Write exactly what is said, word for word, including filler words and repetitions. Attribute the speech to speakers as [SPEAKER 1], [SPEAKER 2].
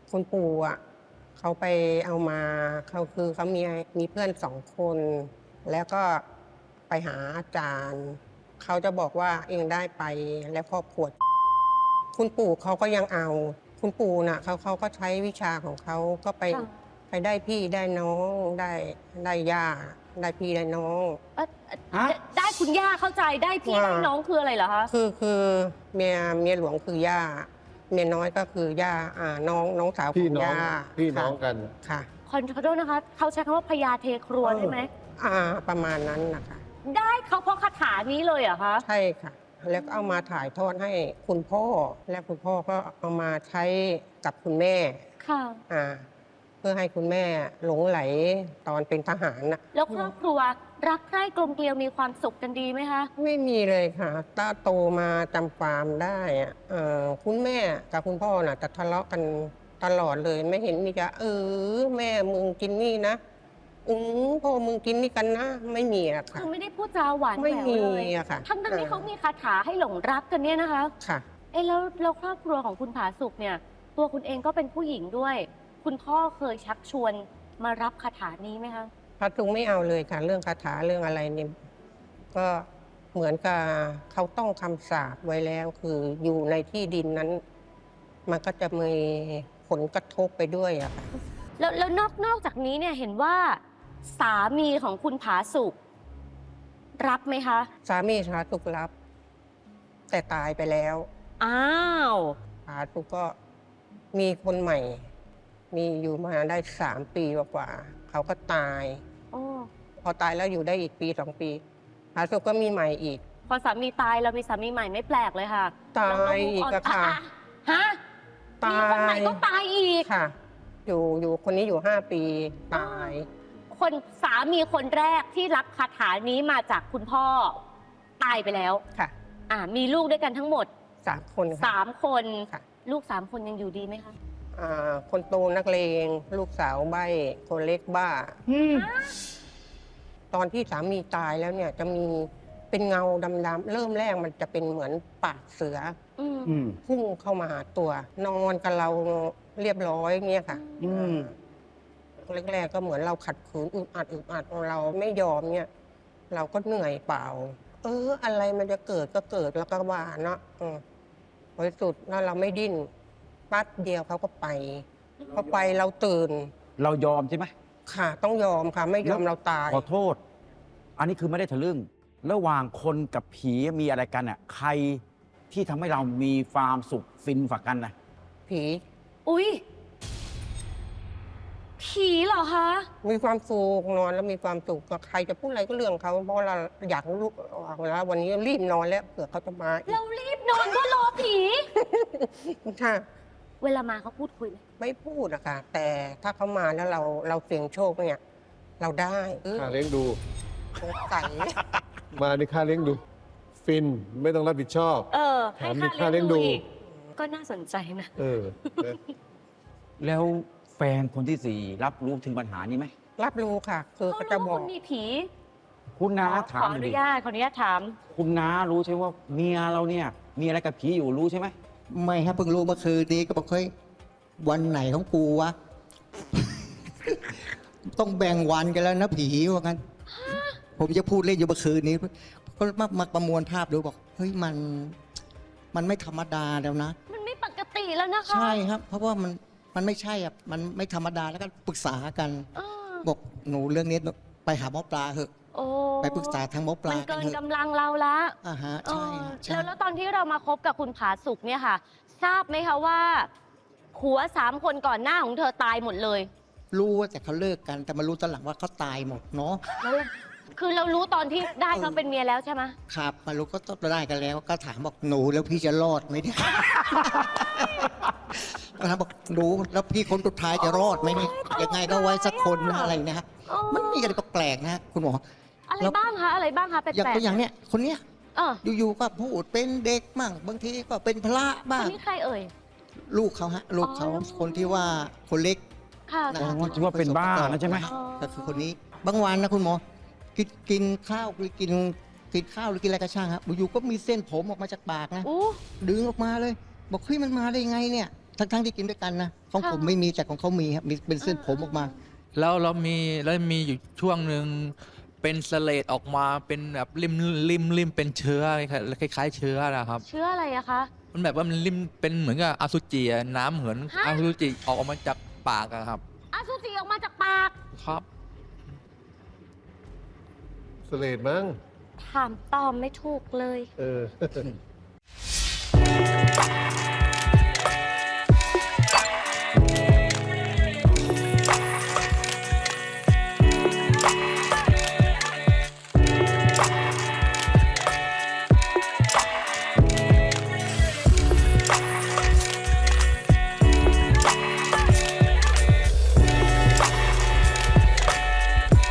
[SPEAKER 1] คุณปู่อ่ะเขาไปเอามาเขาคือเขามีมีเพื่อนสองคน แล้วก็ไปหาอาจารย์เขาจะบอกว่าเองได้ไปแล้วครอบครัวคุณปู่เขาก็ยังเอา คุณปู่น่ะเขาเขาก็ใช้วิชาของเขาก็ไป
[SPEAKER 2] ค่ะ
[SPEAKER 1] ไปได้พี่ได้น้องได้ได้ย่าได้พี่ได้น้อง
[SPEAKER 2] เอ่อ
[SPEAKER 3] ฮะ
[SPEAKER 2] ได้คุณย่าเข้าใจได้พี่
[SPEAKER 1] ว่า
[SPEAKER 2] ได้น้องคืออะไรเหรอคะ
[SPEAKER 1] คือคือเมียเมียหลวงคือย่าเมียน้อยก็คือย่าอ่าน้องน้องสาวข
[SPEAKER 4] พี่
[SPEAKER 1] อง
[SPEAKER 4] น้อง
[SPEAKER 1] ย่า
[SPEAKER 4] พี่น้อง
[SPEAKER 1] ค่ะ
[SPEAKER 4] กัน
[SPEAKER 1] ค่ะ
[SPEAKER 2] ขอโทษนะคะเขาใช้คำว่าพญาเทครัวได้ไหม
[SPEAKER 1] อ่าประมาณนั้นนะคะ
[SPEAKER 2] ได้เขาเพราะคาถานี้เลยเหรอคะ
[SPEAKER 1] ใช่ค่ะ แล้วก็เอามาถ่ายทอดให้คุณพ่อ และคุณพ่อก็เอามาใช้กับคุณแม่
[SPEAKER 2] ค่ะ
[SPEAKER 1] อ่าเพื่อให้คุณแม่หลงไหลตอนเป็นทหารน่ะ
[SPEAKER 2] แล้วครอบครัวรักใคร่กลมเกลียวมีความสุขกันดีไหมคะ
[SPEAKER 1] ไม่มีเลยค่ะตาโตมาจำความได้อะเอ่อคุณแม่กับคุณพ่อน่ะจะทะเลาะกันตลอดเลย ไม่เห็นมีจะเออแม่มึงกินนี่นะอือพ่อมึงกินนี่กันนะ ไม่มีอะค่ะ
[SPEAKER 2] คือไม่ได้พูดจาหวานแห
[SPEAKER 1] ไม่
[SPEAKER 2] วว
[SPEAKER 1] มี
[SPEAKER 2] เลย
[SPEAKER 1] อะค่ะ
[SPEAKER 2] ทั้งทั้งที่
[SPEAKER 1] เออ
[SPEAKER 2] เขามีคาถาให้หลงรักกันเนี่ยนะคะ
[SPEAKER 1] ค่ะ
[SPEAKER 2] เอ้แล้วแล้วครอบครัวของคุณผาสุกเนี่ย ตัวคุณเองก็เป็นผู้หญิงด้วย คุณพ่อเคยชักชวนมารับคาถานี้ไหมคะ
[SPEAKER 1] พระตุงไม่เอาเลยค่ะ เรื่องคาถาเรื่องอะไรเนี่ยก็เหมือนกับเขาต้องคำสาปไว้แล้ว คืออยู่ในที่ดินนั้น มันก็จะมีผลกระทบไปด้วยอะค่ะ
[SPEAKER 2] แล้วแล้วนอกนอกจากนี้เนี่ยเห็นว่าสามีของคุณผาสุกรับไหมคะ
[SPEAKER 1] สามีสาตุกรับ แต่ตายไปแล้ว
[SPEAKER 2] อ้าว
[SPEAKER 1] สาตุกก็มีคนใหม่ มีอยู่มาได้สามปีกว่าๆเขาก็ตาย
[SPEAKER 2] โอ้
[SPEAKER 1] พอตายแล้วอยู่ได้อีกปีสองปีสาตุกก็มีใหม่อีก
[SPEAKER 2] พอสามีตายเรามีสามีใหม่ไม่แปลกเลยค่ะ
[SPEAKER 1] ตาย
[SPEAKER 2] เรก็
[SPEAKER 1] อีกอะค่ะ
[SPEAKER 2] ฮะ
[SPEAKER 1] ตาย
[SPEAKER 2] มีคนใหม่ก็ตายอีก
[SPEAKER 1] ค่ะ อยู่อยู่คนนี้อยู่ห้าปีตาย
[SPEAKER 2] คนสามีคนแรกที่รับคาถานี้มาจากคุณพ่อตายไปแล้ว
[SPEAKER 1] ค่ะ
[SPEAKER 2] อ่ามีลูกด้วยกันทั้งหมด
[SPEAKER 1] สามคนค่ะ
[SPEAKER 2] สามคน
[SPEAKER 1] ค่ะ
[SPEAKER 2] ลูกสามคนยังอยู่ดีไหมคะ
[SPEAKER 1] อ่าคนโตนักเลง ลูกสาวใบ้คนเล็กบ้า
[SPEAKER 3] อืม
[SPEAKER 1] ตอนที่สามีตายแล้วเนี่ยจะมีเป็นเงาดำๆเริ่มแรกมันจะเป็นเหมือนปากเสือ
[SPEAKER 2] อืม
[SPEAKER 3] อืม
[SPEAKER 1] พุ่งเข้ามาหาตัว นอนกับเราเรียบร้อยเนี่ยค่ะ
[SPEAKER 3] อืม
[SPEAKER 1] แรกๆก็เหมือนเราขัดขืนอึดอัดอึดอัดเราไม่ยอมเนี่ย เราก็เหนื่อยเปล่า เออ อะไรมันจะเกิดก็เกิดแล้วก็ว่าเนาะอืมบริสุทธิ์แล้วเราไม่ดิ้นปั๊บเดียวเขาก็ไปพอไปเราตื่น
[SPEAKER 3] เรายอมใช่ไหม
[SPEAKER 1] ค่ะ ต้องยอมค่ะ ไม่ยอมเราตาย
[SPEAKER 3] ขอโทษ อันนี้คือไม่ได้ทะลึ่ง ระหว่างคนกับผีมีอะไรกันอ่ะ ใครที่ทำให้เรามีความสุขฟินฝักกันนะ
[SPEAKER 1] ผี
[SPEAKER 2] อุ้ยผีเหรอคะ
[SPEAKER 1] มีความสุขนอนแล้วมีความสุขกับใครจะพูดอะไรก็เรื่องเขาเพราะเราอยากรู้แล้ววันนี้รีบนอนแล้วเผื่อเขาจะมาอีก
[SPEAKER 2] เรารีบนอนก็รอผี
[SPEAKER 1] ค่ะ
[SPEAKER 2] เวลามาเขาพูดคุยไหม
[SPEAKER 1] ไม่พูดอะค่ะ แต่ถ้าเขามาแล้วเราเราเสี่ยงโชคเนี่ย เราได้เออ
[SPEAKER 4] ค่าเลี้ยงดู
[SPEAKER 1] สงสัย
[SPEAKER 4] มาในค่าเลี้ยงดู ฟินไม่ต้องรับผิดชอบ
[SPEAKER 2] เออ
[SPEAKER 4] แถมมีค่าเลี้ยงดู
[SPEAKER 2] อีกก็น่าสนใจนะ
[SPEAKER 4] เออนะ
[SPEAKER 3] แล้วแฟนคนที่สี่รับรู้ถึงปัญหานี้ไหม
[SPEAKER 1] รับรู้ค่ะ คือ
[SPEAKER 2] เขา
[SPEAKER 1] เขาจะ
[SPEAKER 2] รู้
[SPEAKER 1] บ
[SPEAKER 2] ว่า
[SPEAKER 1] อก
[SPEAKER 2] คุณมีผี
[SPEAKER 3] คุณน้า
[SPEAKER 2] ขอ
[SPEAKER 3] ถาม
[SPEAKER 2] ขอ
[SPEAKER 3] ห
[SPEAKER 2] อ
[SPEAKER 3] น่อย
[SPEAKER 2] นุ
[SPEAKER 3] ดิ
[SPEAKER 2] ญาตขออนุญาตถาม
[SPEAKER 3] คุณน้ารู้ใช่ว่าเมียเราเนี่ย มีอะไรกับผีอยู่รู้ใช่ไหม
[SPEAKER 5] ไม่ครับเพิ่งรู้เมื่อคืนนี้ก็บอกเฮ้ยวันไหนของกูวะ ต้องแบ่งวันกันแล้วนะผีว่างั้น ผมจะพูดเล่นอยู่เมื่อคืนนี้ก็มามาประมวลภาพดูบอกเฮ้ยมัน มันไม่ธรรมดาแล้วนะ
[SPEAKER 2] มันไม่ปกติแล้วนะคะ
[SPEAKER 5] ใช่ครับ เพราะว่ามันมันไม่ใช่อ่ะมันไม่ธรรมดาแล้วก็ปรึกษากัน
[SPEAKER 2] เออ
[SPEAKER 5] บอกหนูเรื่องนี้ไปหาหมอปลาเถอะ
[SPEAKER 2] โอ้
[SPEAKER 5] ไปปรึกษาทางหมอป
[SPEAKER 2] มั
[SPEAKER 5] ลาน กั
[SPEAKER 2] เกิ
[SPEAKER 5] น
[SPEAKER 2] น
[SPEAKER 5] เถอะ
[SPEAKER 2] กำลังเราละ
[SPEAKER 5] อ่าฮะ
[SPEAKER 2] เอ
[SPEAKER 5] ใช่
[SPEAKER 2] อ
[SPEAKER 5] ฮะใช่
[SPEAKER 2] แล้วแล้วตอนที่เรามาคบกับคุณผาสุกเนี่ยค่ะ ทราบไหมคะว่าผัวสามคนก่อนหน้าของเธอตายหมดเลย
[SPEAKER 5] รู้ว่าแต่เขาเลิกกัน แต่มารู้ตอนหลังว่าเขาตายหมดเนาะ
[SPEAKER 2] แล้วคือเรารู้ตอนที่ได้เขาเป็นเมียแล้วใช่ไหม
[SPEAKER 5] ครับมารู้ก็ต้องได้กันแล้ว ก็ถามบอกหนูแล้วพี่จะรอดไหมเนี่ย ก็ถามบอกหนูแล้วพี่คนสุดท้ายจะรอดไหมเนี่ยยังไงก็ไว้สักคนนะอะไรนะฮะ
[SPEAKER 2] อ๋อ
[SPEAKER 5] มันมีอะไรก็แปลกนะฮะคุณหมอ
[SPEAKER 2] อะไร
[SPEAKER 5] แล้ว
[SPEAKER 2] บ้างคะอะไรบ้างคะแปล
[SPEAKER 5] อย่าง
[SPEAKER 2] ก
[SPEAKER 5] ตัวอย่างเนี้ยคนเนี้ย
[SPEAKER 2] ๆเออ
[SPEAKER 5] อยู่ๆก็พูดเป็นเด็กมั่งบางทีก็เป็นพระ
[SPEAKER 2] ค
[SPEAKER 5] บ้าง
[SPEAKER 2] นนี้ใครเอ่ย
[SPEAKER 5] ลูกเขาฮะลูกเขา
[SPEAKER 2] อ๋อ
[SPEAKER 5] คนที่ว่าคนเล็ก
[SPEAKER 2] ค่ะ
[SPEAKER 5] นะ
[SPEAKER 3] อ๋
[SPEAKER 5] ฮะ
[SPEAKER 3] อที่ว่าเป็นบ้านะใช่ไหม
[SPEAKER 2] อ๋อ
[SPEAKER 5] ก็คือคนนี้บางวันนะคุณหมอกินกินข้าวหรือกินกินข้าวหรือกินอะไรก็ช่างครับอยู่ๆก็มีเส้นผมออกมาจากปากนะ
[SPEAKER 2] อู้
[SPEAKER 5] ดึงออกมาเลย บอกเฮ้ยมันมาได้ยังไงเนี่ยทั้งๆที่กินด้วยกันนะของ
[SPEAKER 2] ค่ะ
[SPEAKER 5] ผมไม่มีแต่ของเขามีครับมีเป็นเส้นผมออกมา
[SPEAKER 6] แล้วเรามีแล้วมีอยู่ช่วงหนึ่งเป็นสเลดออกมาเป็นแบบริมริมริมเป็นเชื้อคล้ายๆเชื้อนะครับ
[SPEAKER 2] เชื่ออะไรอะคะ
[SPEAKER 6] มันแบบว่ามันริมเป็นเหมือนกับอสุจิอะน้ำเหมือน
[SPEAKER 2] ฮะ
[SPEAKER 6] อสุจิออกมาจากปากอะครับ
[SPEAKER 2] อสุจิออกมาจากปาก
[SPEAKER 6] ครับ
[SPEAKER 4] สเลดมั้ง
[SPEAKER 2] ถามตอบไม่ถูกเลย
[SPEAKER 4] เออ